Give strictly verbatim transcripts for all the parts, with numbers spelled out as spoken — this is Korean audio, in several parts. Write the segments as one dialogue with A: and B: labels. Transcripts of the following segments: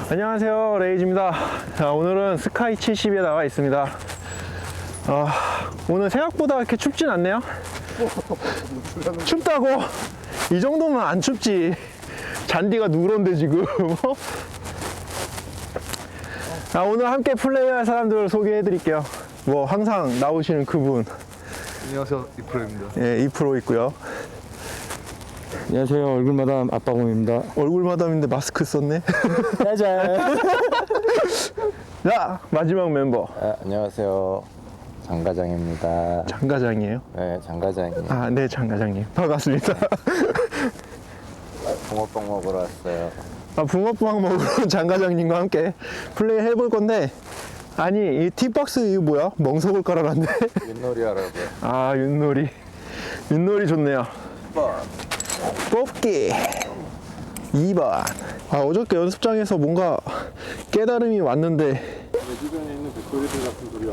A: 안녕하세요, 레이즈입니다. 자, 오늘은 스카이 칠십에 나와 있습니다. 아, 오늘 생각보다 이렇게 춥진 않네요. 춥다고? 이 정도면 안 춥지. 잔디가 누런데 지금. 아, 오늘 함께 플레이할 사람들을 소개해 드릴게요. 뭐 항상 나오시는 그분.
B: 안녕하세요, 이프로입니다.
A: 예, 이 프로 있고요.
C: 안녕하세요. 얼굴마담 아빠곰입니다.
A: 얼굴 마담인데 마스크 썼네.
C: 짜잔.
A: 자, 마지막 mem버
C: 아, 안녕하세요. 장과장입니다.
A: 장과장이에요.
C: 네, 장과장이에요.
A: 아, 네, 장과장님 반갑습니다.
C: 붕어빵 먹으러 왔어요.
A: 아, 붕어빵 먹으러 장과장님과 함께 플레이 해볼 건데, 아니 이 티박스 이거 뭐야? 멍석을 깔아놨네.
C: 윷놀이 하라고요.
A: 아, 윷놀이. 윷놀이 좋네요. 뽑기 이 번. 아, 어저께 연습장에서 뭔가 깨달음이 왔는데,
B: 내 주변에 있는 백돌이들 같은 소리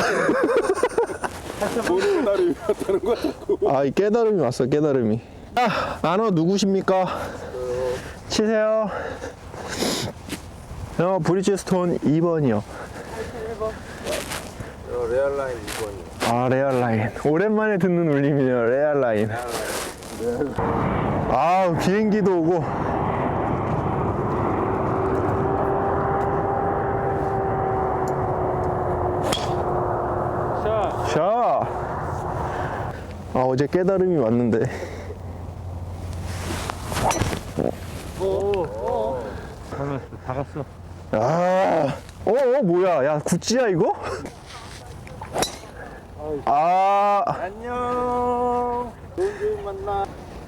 B: 하고 모르는 나를 위하다는 거 자꾸.
A: 아, 이 깨달음이 왔어, 깨달음이. 아, 아너 누구십니까? 치세요. 어, 브리지스톤 이 번이요.
C: 레알라인 이 번이요.
A: 아, 레알라인. 오랜만에 듣는 울림이네요, 레알라인. 아, 비행기도 오고.
B: 자,
A: 샤. 아, 어제 깨달음이 왔는데.
B: 다 갔어.
A: 아, 어, 어, 뭐야? 야, 구찌야 이거? 아,
B: 안녕. 좋은 게임 만나.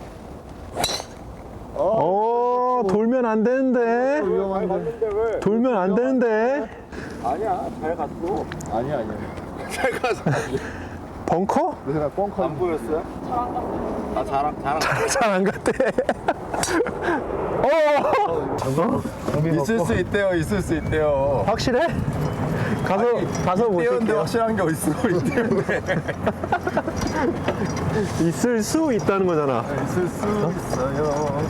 A: 어, 돌면 안 되는데.
B: 잘 갔는데 왜?
A: 돌면 안 되는데.
B: 아니야, 잘 갔어. 아니야, 아니야. 잘 갔어.
A: 벙커?
B: 내가 뻥커 안 보였어요? 아, 자랑, 자랑.
A: 잘 안 갔대. 어,
B: 있을 수 있대요, 있을 수 있대요.
A: 확실해? 가서 가서
B: 있대요인데
A: 보실게요.
B: 확실한 게 어딨어, 있대요인데.
A: 있을 수 있다는 거잖아.
B: 있을 수 있어요.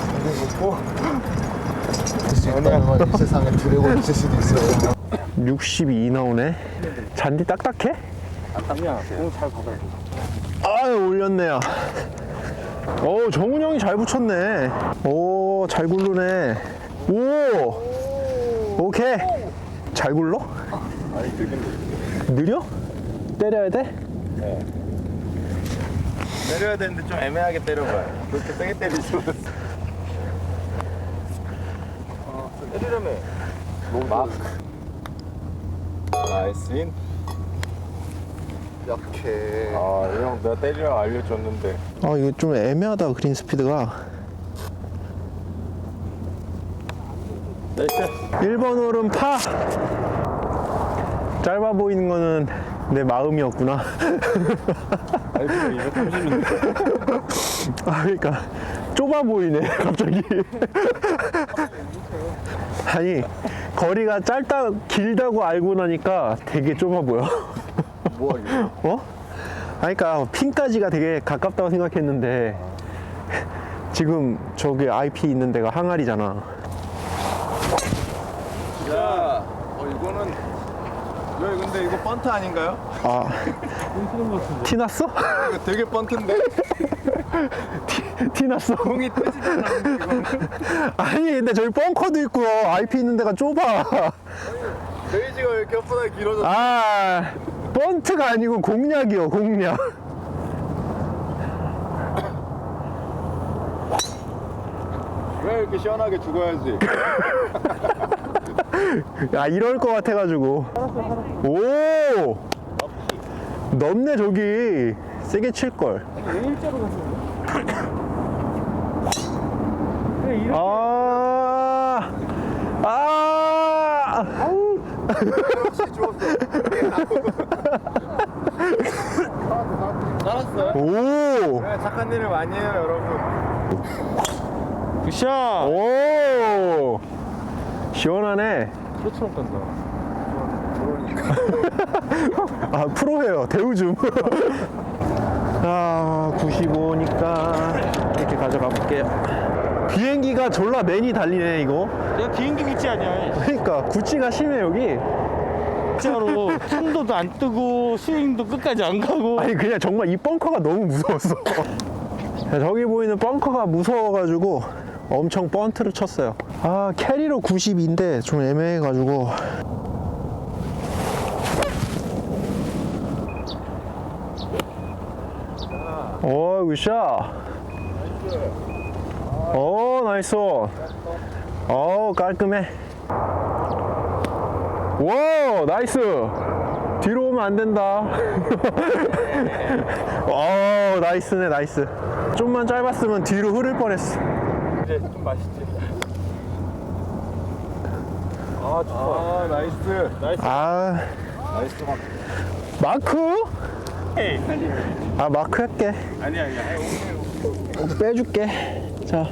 B: 있다는 이 세상에 드래곤 있을 수도 있어요.
A: 육십이 나오네. 잔디 딱딱해?
B: 아니야, 공잘 받아야 돼.
A: 아유, 올렸네요. 오, 정훈 형이 잘 붙였네. 오, 잘 굴르네. 오, 오케이. 잘 굴러?
B: 아니, 되게
A: 느려? 때려야 돼?
B: 때려야 되는데 좀 애매하게 때려봐요. 그렇게 세게 때리시면 어, 때리려며 막 나이스 인 약해. 아, 이 형 내가 때리라고 알려줬는데.
A: 아, 이거 좀 애매하다, 그린 스피드가.
B: 나이스.
A: 일 번 홀은 파. 짧아 보이는 거는 내 마음이었구나.
B: 알고 이백삼십인데.
A: 아, 그러니까 좁아 보이네, 갑자기. 아니, 거리가 짧다, 길다고 알고 나니까 되게 좁아 보여.
B: 뭐 하길래?
A: 어? 아니, 그러니까 핀까지가 되게 가깝다고 생각했는데, 지금 저기 아이피 있는 데가 항아리잖아.
B: 야, 어 이거는 왜 근데 이거 번트 아닌가요?
A: 아, 티 났어?
B: 이거 되게 번트인데?
A: 티, 티 났어?
B: 공이 뜨지도 않았는데 이거는.
A: 아니, 근데 저기 벙커도 있고 아이피 있는 데가 좁아.
B: 베이지가 왜 이렇게 혓바닥이 길어졌어?
A: 아, 번트가 아니고 공략이요, 공략.
B: 왜 이렇게 시원하게 죽어야지?
A: 야, 이럴 것 같아가지고. 오! 넓네, 저기. 세게 칠걸. 아, 아,
B: 역시 죽었어. 살았어요?
A: 오,
B: 네, 착한 일을 많이 해요, 여러분.
C: 굿샷!
A: 오, 시원하네.
C: 프로처럼 간다.
A: 아, 프로예요. 대우 좀. 아, 구십오니까 이렇게 가져가 볼게요. 비행기가 졸라 맨이 달리네 이거.
C: 내가 비행기 구찌 아니야.
A: 그러니까 구찌가 심해 여기.
C: 진짜로 순도도 안 뜨고 스윙도 끝까지 안 가고.
A: 아니 그냥 정말 이 벙커가 너무 무서웠어. 저기 보이는 벙커가 무서워가지고 엄청 번트를 쳤어요. 아 캐리로 구십인데 좀 애매해가지고. 오 굿샷. 오 나이스. 오 깔끔해. 와 나이스. 뒤로 오면 안 된다. 오 나이스네 나이스. 좀만 짧았으면 뒤로 흐를 뻔했어.
C: 이제 좀 맛있지.
B: 아 좋다. 아 나이스.
C: 나이스.
A: 아
B: 나이스 막.
A: 마크?
C: 에이.
A: 아 마크 할게.
C: 아니야 아니야.
A: 빼줄게. 자.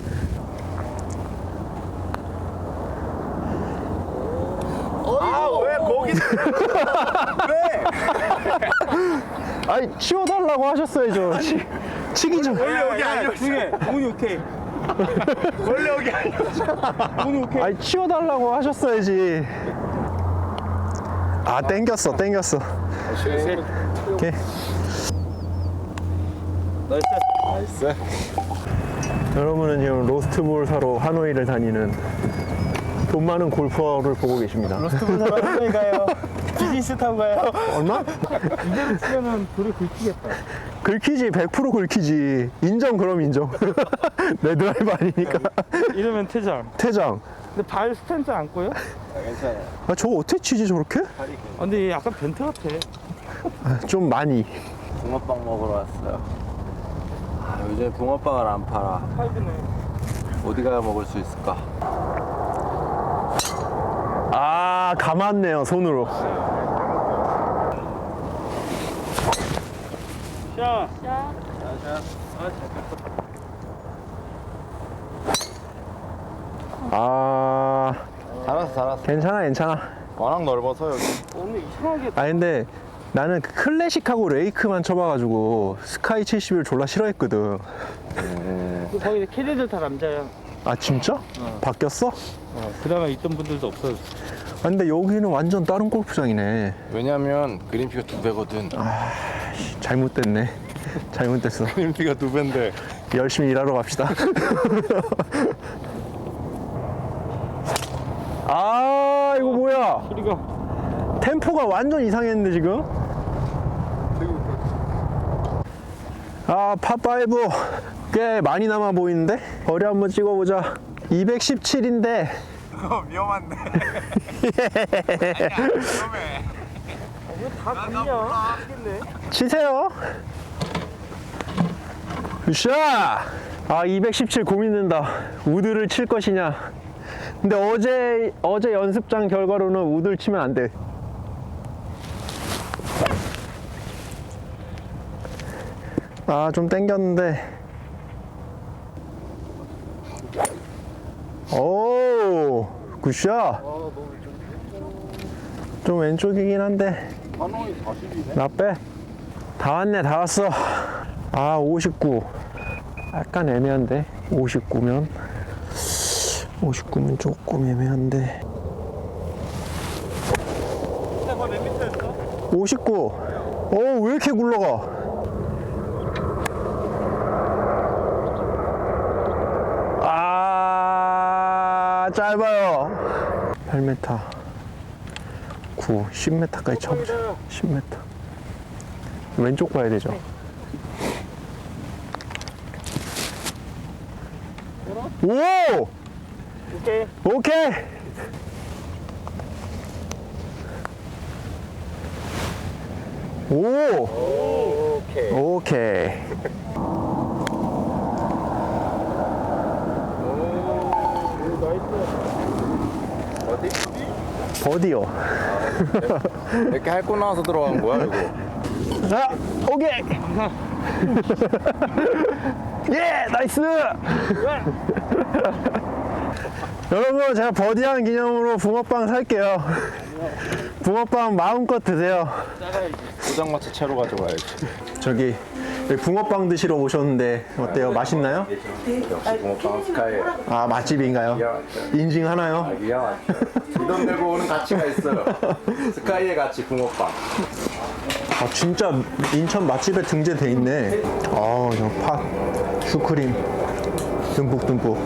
B: 아왜 거기? 왜?
A: 아니 치워달라고 하셨어야죠. 치, 치기 전.
B: 원래 여기 아니었어.
C: 중에 운이 오케이.
B: 원래 여기 아니었어.
C: 운이 오케이.
A: 아니 치워달라고 하셨어야지. 아 땡겼어 땡겼어. 오케이.
C: 나이스.
B: 나이스.
A: 여러분은 지금 로스트볼 사러 하노이를 다니는 돈 많은 골퍼를 보고 계십니다.
C: 로스트볼 사러 하노이 가요. 비즈니스 타고 가요.
A: 얼마?
C: 이대로 치면은 돌이 긁히겠다.
A: 긁히지 백 퍼센트 긁히지. 인정 그럼 인정. 내 드라이브 아니니까.
C: 이러면 퇴장.
A: 퇴장.
C: 근데 발 스탠스 안 꼬여?
B: 괜찮아.
A: 아 저거 어떻게 치지 저렇게?
C: 아, 근데 얘 약간 벤트 같아.
A: 아, 좀 많이.
B: 붕어빵 먹으러 왔어요. 아, 요즘 붕어빵을 안 팔아.
C: 파이브네.
B: 어디 가야 먹을 수 있을까?
A: 아 감았네요 손으로.
C: 샷.
A: 아
B: 잘했어 잘했어.
A: 괜찮아 괜찮아.
B: 워낙 넓어서 여기.
C: 오늘 이상하게
A: 아 근데 나는 그 클래식하고 레이크만 쳐봐가지고 스카이 칠십을 졸라 싫어했거든.
C: 거기 캐디들 다 남자야.
A: 아 진짜? 바뀌었어?
C: 어, 그나마 있던 분들도 없어졌어.
A: 아, 근데 여기는 완전 다른 골프장이네.
B: 왜냐면 그린피가 두 배거든.
A: 씨, 잘못됐네. 잘못됐어.
B: 그린피가 두 배인데.
A: 열심히 일하러 갑시다. 아 이거 뭐야?
C: 소리가.
A: 템포가 완전 이상했는데 지금? 아 팝파이브 꽤 많이 남아 보이는데? 거리 한번 찍어보자. 이백십칠인데
B: 어, 위험한데. 위험해.
C: 다 갔냐? 미치겠네.
A: 치세요. 굿샷! 아 이백십칠 고민된다. 우드를 칠 것이냐. 근데 어제 어제 연습장 결과로는 우드를 치면 안 돼. 아 좀 땡겼는데. 오 굿샷. 좀 왼쪽이긴 한데
B: 한호이 사십이네.
A: 나 빼. 다 왔네 다 왔어. 아 오십구 약간 애매한데. 오십구면 오십구면 조금 애매한데.
C: 내가 몇 미터였어?
A: 오십구. 어 왜 이렇게 굴러가? 아 짧아요. 팔 미터 구, 십 미터까지 쳐보자. 십 미터. 왼쪽 봐야 되죠. 오!
C: 오케이.
A: 오케이! 오!
B: 오케이.
A: 오케이.
B: 어디?
A: 버디요.
B: 이렇게 핥고 나와서 들어간 거야 이거.
A: 자, 오케이! 예! 나이스! 여러분, 제가 버디한 기념으로 붕어빵 살게요. 붕어빵 마음껏 드세요.
B: 포장마차 채로 가져가야지.
A: 저기 여기 붕어빵 드시러 오셨는데 어때요? 맛있나요?
B: 역시 붕어빵 스카이.
A: 아, 맛집인가요? 인증하나요?
B: 기가 막혀. 이돈 내고 오는 가치가 있어요. 스카이의 가치 붕어빵.
A: 아, 진짜 인천 맛집에 등재돼 있네. 아, 저 팥, 슈크림 듬뿍듬뿍.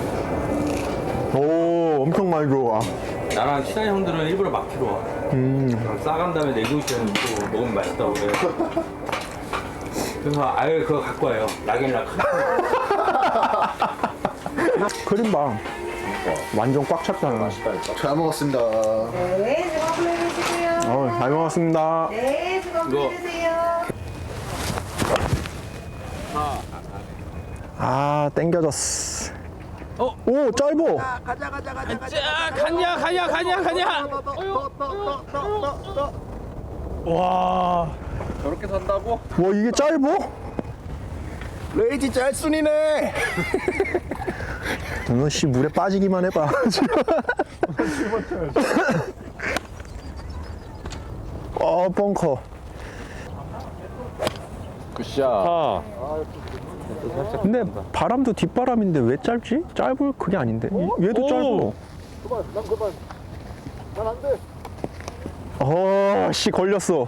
A: 오, 엄청 많이 들어와.
C: 나랑 친한 형들은 일부러 막히러 와. 음. 싸간 다음에 내주시면 또 먹으면 맛있다고 그래. 그래서 아예 그거 갖고 와요. 락앤락.
A: 크림빵 완전 꽉 찼잖아.
B: 잘 먹었습니다.
D: 네, 즐거운 플레이 되시고요.
A: 어, 잘 먹었습니다.
D: 네, 즐거운 플레이 되세요.
A: 아, 땡겨졌어.
C: 어?
A: 오, 짧어.
C: 자, 가냐, 가냐, 가냐, 가냐. 와.
B: 저렇게 산다고?
A: 와, 이게 짧어?
B: 레이지 짤순이네.
A: 너 씨 물에 빠지기만 해봐. 어, 벙커.
B: 굿샷.
C: 아.
A: 근데 바람도 뒷바람인데 왜 짧지? 짧을 그게 아닌데. 이- 얘도
C: 오.
A: 짧어.
B: 그만, 난 그만. 난 안 돼.
A: 어, 씨 걸렸어.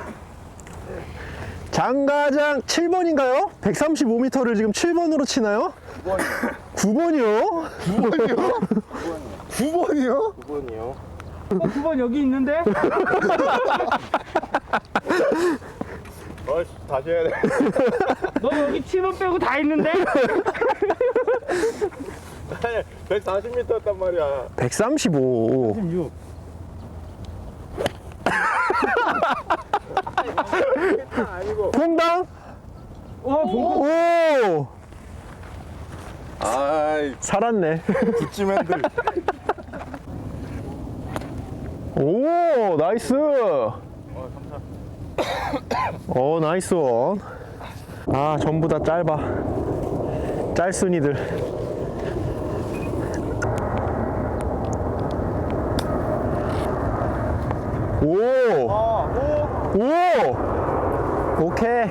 A: 장가장 칠 번인가요? 백삼십오 미터를 지금 칠 번으로 치나요? 구 번이요. 구 번이요? 구 번이요?
B: 구 번이요.
C: 어, 구 번 여기 있는데?
B: 어이씨, 다시 해야 돼.
C: 너 여기 칠 번 빼고 다 있는데?
B: 아니, 백사십 미터였단 말이야.
A: 백삼십오.
C: 육.
B: 아니고.
A: 퐁당?
C: 와, 봉
A: 오!
B: 아이,
A: 살았네.
B: 굿즈맨들.
A: 오, 나이스. 어, 나이스 원. 아, 전부 다 짧아. 짤순이들. 오! 오! 오케이.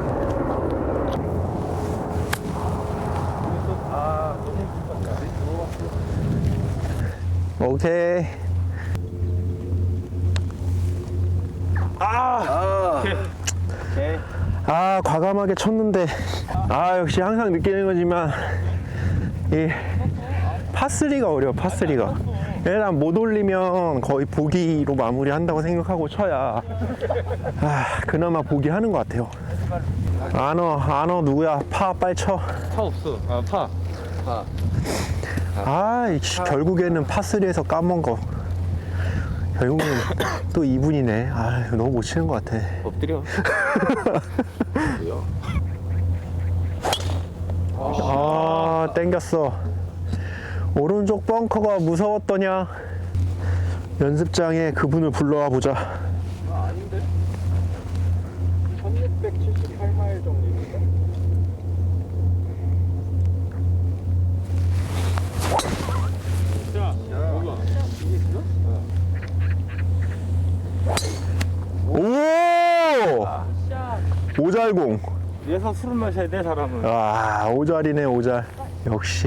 A: 오케이. 아, 과감하게 쳤는데, 아, 역시 항상 느끼는 거지만, 이 파쓰리가 어려워, 파쓰리가. 일단 못 올리면 거의 보기로 마무리한다고 생각하고 쳐야, 아, 그나마 보기 하는 것 같아요. 안어, 안어 누구야? 파, 빨리 쳐.
C: 파 없어. 아, 파.
A: 아, 이씨, 결국에는 파쓰리에서 까먹은 거. 결국엔 또 이분이네. 아, 너무 못 치는 것 같아.
C: 엎드려.
A: 아, 땡겼어. 오른쪽 벙커가 무서웠더냐? 연습장에 그분을 불러와 보자.
B: 아닌데? 천육백칠십팔 마일 정도입니다.
C: 자, 뭐가?
A: 오! 오잘공.
C: 위에서 술을 마셔야 돼, 사람은.
A: 아, 오잘이네, 오잘. 역시.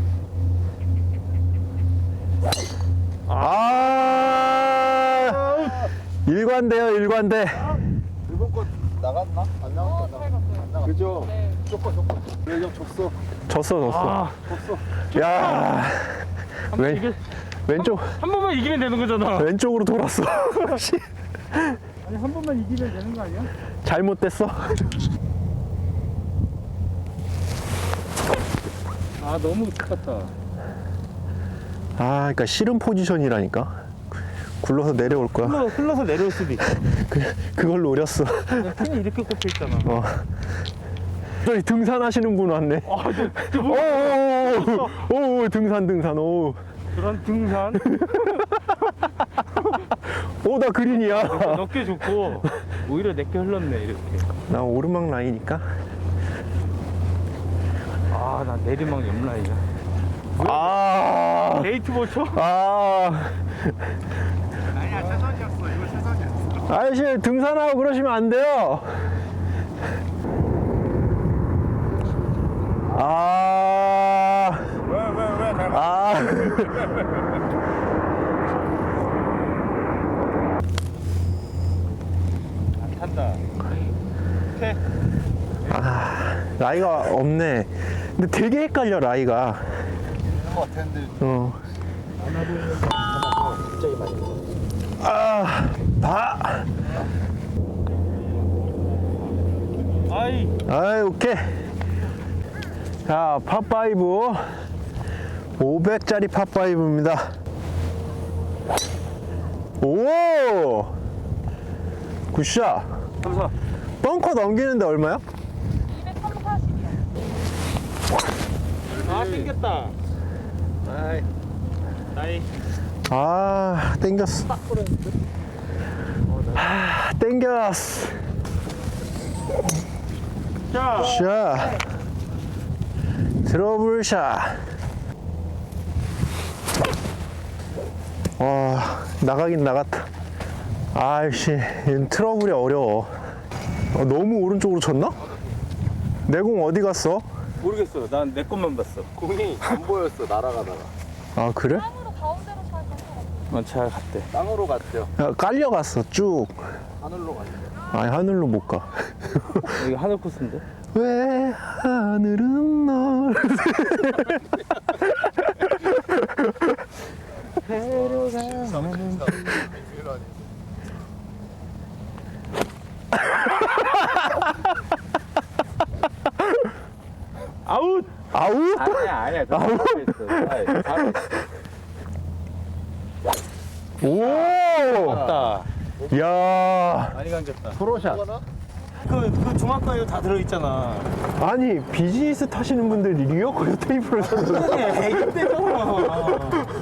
A: 아! 일관돼요, 일관돼.
B: 일본 거 나갔나? 안 나갔나? 안 나갔. 그죠? 조건 조건. 레이저 쳤어.
A: 졌어, 졌어.
C: 아,
A: 야, 왼,
C: 이게
A: 왼쪽,
C: 한 번만 이기면 되는 거잖아.
A: 왼쪽으로 돌았어. 씨,
C: 아니, 한 번만 이기면 되는 거 아니야?
A: 잘못됐어.
C: 아, 너무 똑같다.
A: 아, 그러니까 싫은 포지션이라니까. 굴러서 내려올 거야.
C: 흘러, 흘러서 내려올 수도 있어.
A: 그, 그걸 노렸어.
C: 그냥 핀이 이렇게 꼽혀 있잖아.
A: 어. 저기 등산하시는 분 왔네.
C: 아, 저, 저
A: 오,
C: 뭐,
A: 오, 오, 오, 등산, 등산, 오.
C: 그런 등산
A: 오, 나 그린이야.
C: 넓게 좋고 오히려 내게 흘렀네 이렇게.
A: 나 오르막 라인이니까.
C: 아, 나 내리막 옆라인이야.
A: 아,
C: 데이트 보초?
A: 아.
B: 아니야, 최선이었어. 이거 최선이었어.
A: 아저씨, 등산하고 그러시면 안 돼요. 아,
B: 왜, 왜, 왜? 잘 가.
A: 아.
B: 안 탄다. 오케이.
A: 아, 라이가 없네. 근데 되게 헷갈려, 라이가.
B: 있는 것 같았는데.
A: 어. 아, 봐.
B: 아이.
A: 아이, 오케이. 자, 팝파이브. 오백짜리 팝파이브입니다. 오! 굿샷.
B: 감사.
A: 벙커 넘기는데 얼마야?
B: 아, 땡겼다. 아이. 나이.
A: 아, 땡겼어. 아, 땡겼어.
B: 자.
A: 샷. 트러블 샷. 와, 나가긴 나갔다. 아이씨, 트러블이 어려워. 어, 너무 오른쪽으로 쳤나? 내 공 어디 갔어?
C: 모르겠어. 난 내 것만 봤어.
B: 공이 안 보였어, 날아가다가.
A: 아, 그래?
E: 땅으로 가운데로 잘 간것 같아.
C: 어, 잘 갔대.
B: 땅으로 갔대요.
A: 야, 깔려갔어, 쭉.
B: 하늘로 갔대요.
A: 아니, 하늘로 못 가.
C: 여기 하늘 코스인데?
A: 왜 하늘은 널.
C: 아웃!
A: 아우?
C: 아니야, 아니야. 저 잘했어. 아이, 잘했어.
A: 오!
C: 맞다.
A: 야,
C: 많이 감겼다.
A: 프로샷.
C: 그, 그 중학과에 다 들어있잖아.
A: 아니, 비즈니스 타시는 분들이 리어커 테이프를 샀어.
C: 그래, 애기 때잖아.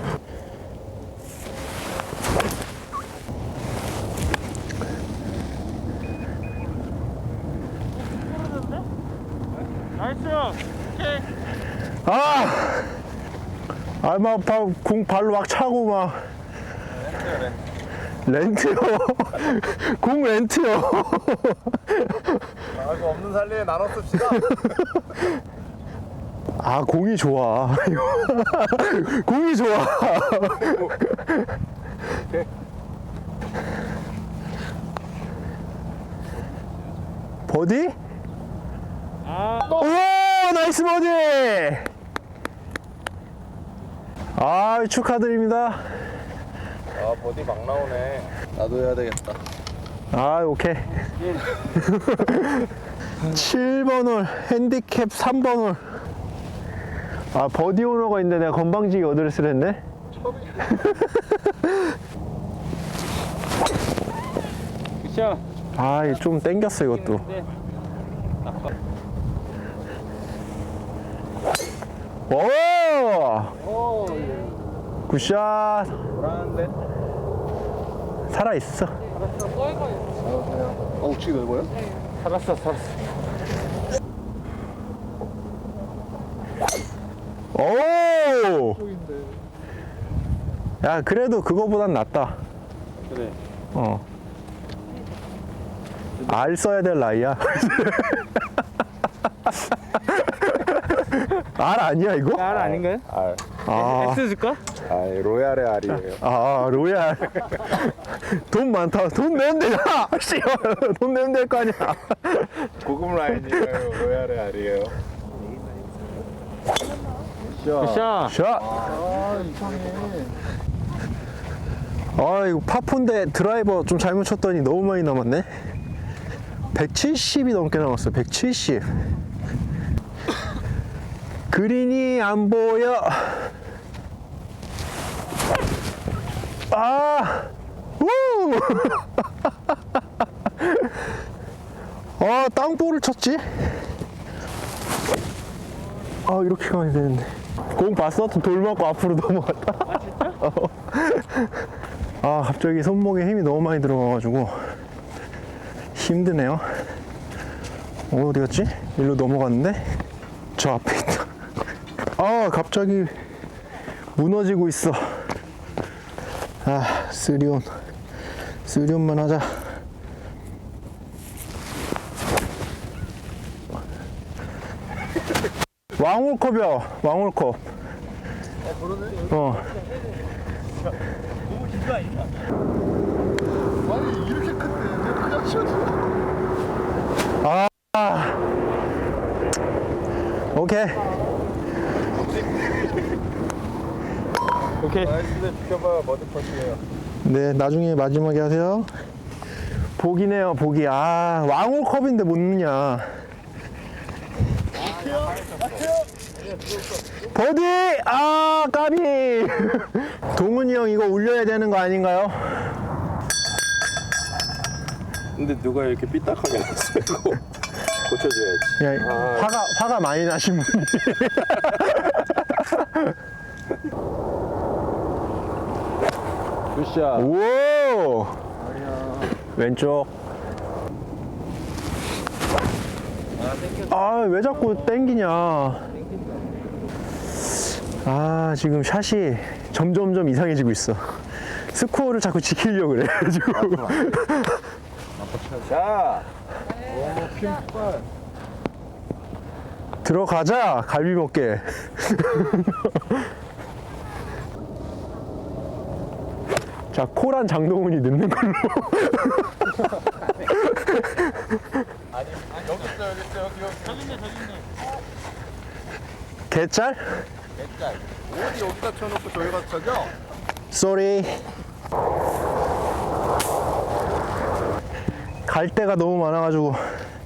B: 나이스. 오케이.
A: 아! 아, 막, 바, 공 발로 막 차고 막. 렌트요. 공 렌트요.
B: 아, 그 없는 살림에 나눠 씁시다.
A: 아, 공이 좋아. 공이 좋아. 버디? 오, 나이스 버디! 아, 축하드립니다.
B: 아, 버디 막 나오네. 나도 해야 되겠다.
A: 아, 오케이. 칠 번 홀, 핸디캡 삼 번 홀. 아, 버디 오너가 있는데 내가 건방지게 어드레스를 했네?
C: 굿샷.
A: 아, 이거 좀 땡겼어, 이것도. 오! 굿샷!
B: 불안한데?
A: 살아있어.
B: 어, 우측이 넓어요?
C: 살았어, 살았어.
A: 오! 야, 그래도 그거보단 낫다.
C: 그래.
A: 어. 알 써야 될 나이야. 알 아니야, 이거?
C: 알 아닌가요?
B: 알.
A: 아,
C: X 줄까?
B: 아, 로얄의 알이에요.
A: 아, 로얄. 돈 많다. 돈 내면 되잖아. 씨, 돈 내면 될 거 아니야.
B: 고급 라인이에요. 로얄의 알이에요.
C: 굿샷.
A: 샷.
B: 아, 이상해.
A: 아, 이거 파폰데 드라이버 좀 잘못 쳤더니 너무 많이 남았네. 백칠십이 넘게 남았어. 백칠십. 그린이 안 보여. 아, 우! 아, 땅볼을 쳤지? 아, 이렇게 가야 되는데. 공 봤어? 돌 맞고 앞으로 넘어갔다. 아, 진짜? 어. 아, 갑자기 손목에 힘이 너무 많이 들어가가지고 힘드네요. 어, 어디 갔지? 일로 넘어갔는데? 저 앞에 있다. 아, 갑자기 무너지고 있어. 아, 쓰리온. 쓰리온만 하자. 왕홀컵이야, 왕홀컵. 어.
B: 아니 이렇게 큰데 왜 그냥 치워줘?
A: 아. 오케이.
C: 오케이.
B: 나이스네. 비켜봐. 머드 퍼시에요.
A: 네, 나중에 마지막에 하세요. 보기네요, 보기. 아, 왕홀컵인데 못 넣냐. 버디! 아, 까비! 동훈이 형 이거 올려야 되는 거 아닌가요?
B: 근데 누가 이렇게 삐딱하게 났어 이거. 고쳐줘야지.
A: 야, 화가, 화가 많이 나신 분이.
B: 굿샷.
A: 오! 왼쪽. 아, 왜 자꾸 땡기냐. 아, 지금 샷이 점점점 이상해지고 있어. 스코어를 자꾸 지키려고 그래, 지금.
B: 자. 오, 핀발.
A: 들어가자, 갈비 먹게. 자, 코란 장동훈이 넣는 걸로.
B: 아니, 여기 있어, 여기 있어, 여기, 여기. 저기 있네, 저기 있네.
A: 개짤?
B: 짤. 어디 여기다 쳐놓고 저기 가서 쳐져?
A: 쏘리. 갈 데가 너무 많아가지고.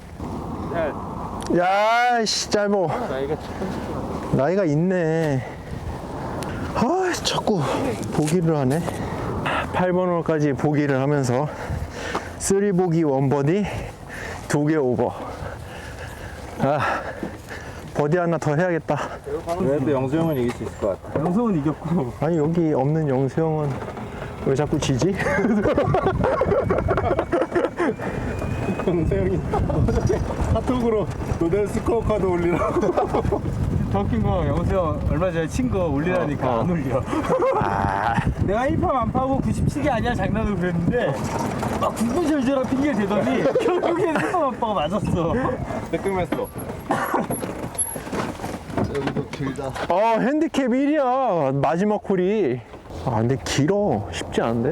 A: 야, 씨, 짧어.
B: 나이가 칠십.
A: 나이가 있네. 아, 자꾸 보기를 하네. 팔 번 홀까지 보기를 하면서 쓰리 보기 원 버디 두 개 오버. 아, 버디 하나 더 해야겠다.
B: 그래도 영수 형은 이길 수 있을 것 같아.
C: 영성은 이겼고.
A: 아니, 여기 없는 영수 형은 왜 자꾸 지지?
B: 영수 형이 카톡으로 노델 스코어 카드 올리라고.
C: 더 웃긴 거 영수 형 얼마 전에 친 거 올리라니까
A: 어, 어.
C: 안 올려.
A: 아,
C: 내가 일 파 만파고 구십칠이 아니야 장난으로 그랬는데 막 구구절절한 핑계를 대더니 결국엔 일 파 만파가 맞았어.
B: 뜨끔했어. 여기도 길다.
A: 어, 핸디캡 일이야. 마지막 홀이. 아, 근데 길어. 쉽지 않은데?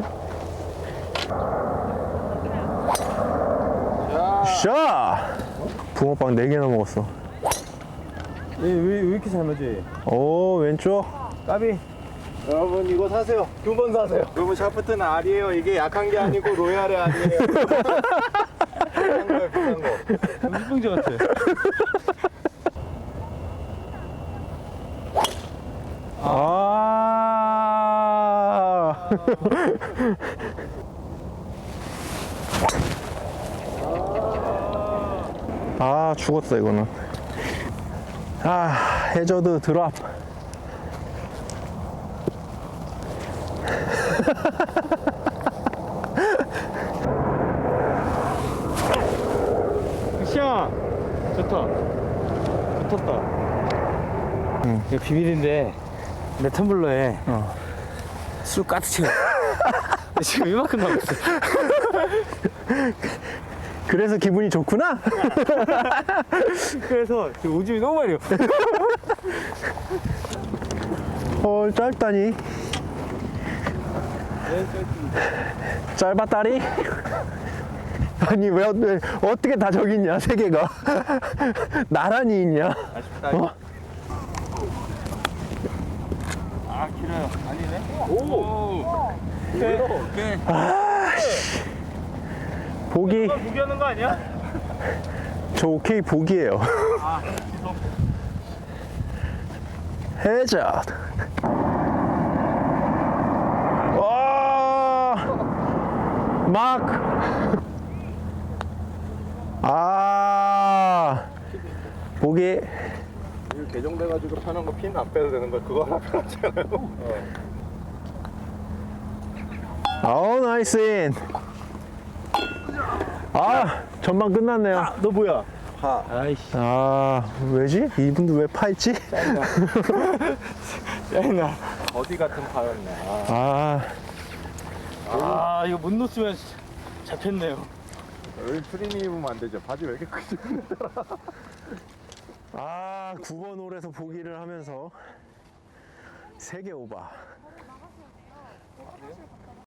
A: 샷! 붕어빵 네 개나 먹었어.
C: 왜, 왜, 왜 이렇게 잘 맞아?
A: 오, 왼쪽.
C: 까비.
B: 여러분 이거 사세요. 두 번 사세요. 여러분 샤프트는 알이에요. 이게 약한 게 아니고 로얄이 아니에요. 비싼 거예요, 비싼 거.
C: 물병자 같아.
A: 아. 아, 죽었어, 이거는. 아, 해저드 드랍.
C: 굿샷! 좋다. 붙었다. 응. 이거 비밀인데, 내 텀블러에
A: 어.
C: 술 가득 채워. 지금 이만큼 남았어.
A: 그래서 기분이 좋구나?
C: 그래서 지금 오줌이 너무 많이 요
A: 헐, 짧다니. 짧았다리? 아니, 왜, 왜 어떻게 다 저기 있냐, 세 개가. 나란히 있냐?
B: 아쉽다.
A: 어?
C: 아, 길어요. 아니네? 오! 오케이. 오케이.
A: 보기.
C: 포기하는 거 아니야?
A: 저 오케이 보기예요.
C: 아, 취소.
A: 해자. 와, 마크. 아, 보기.
B: 이거 개정돼가지고 편한 거 핀 안 빼도 되는 거 그거 하나 편하잖아요. 어.
A: 아우, 나이스 인. 아, 전반 끝났네요.
C: 아, 너 뭐야?
B: 파.
C: 아이씨.
A: 아, 왜지? 이분도 왜 파했지?
C: 짜증나.
B: 어디 같은 파였네. 아.
A: 아,
C: 아, 이거 못 놓으면 잡혔네요.
B: 여기 트림이 입으면 안 되죠. 바지 왜 이렇게 크지?
A: 아, 구 번 홀에서 보기를 하면서 세 개 오바.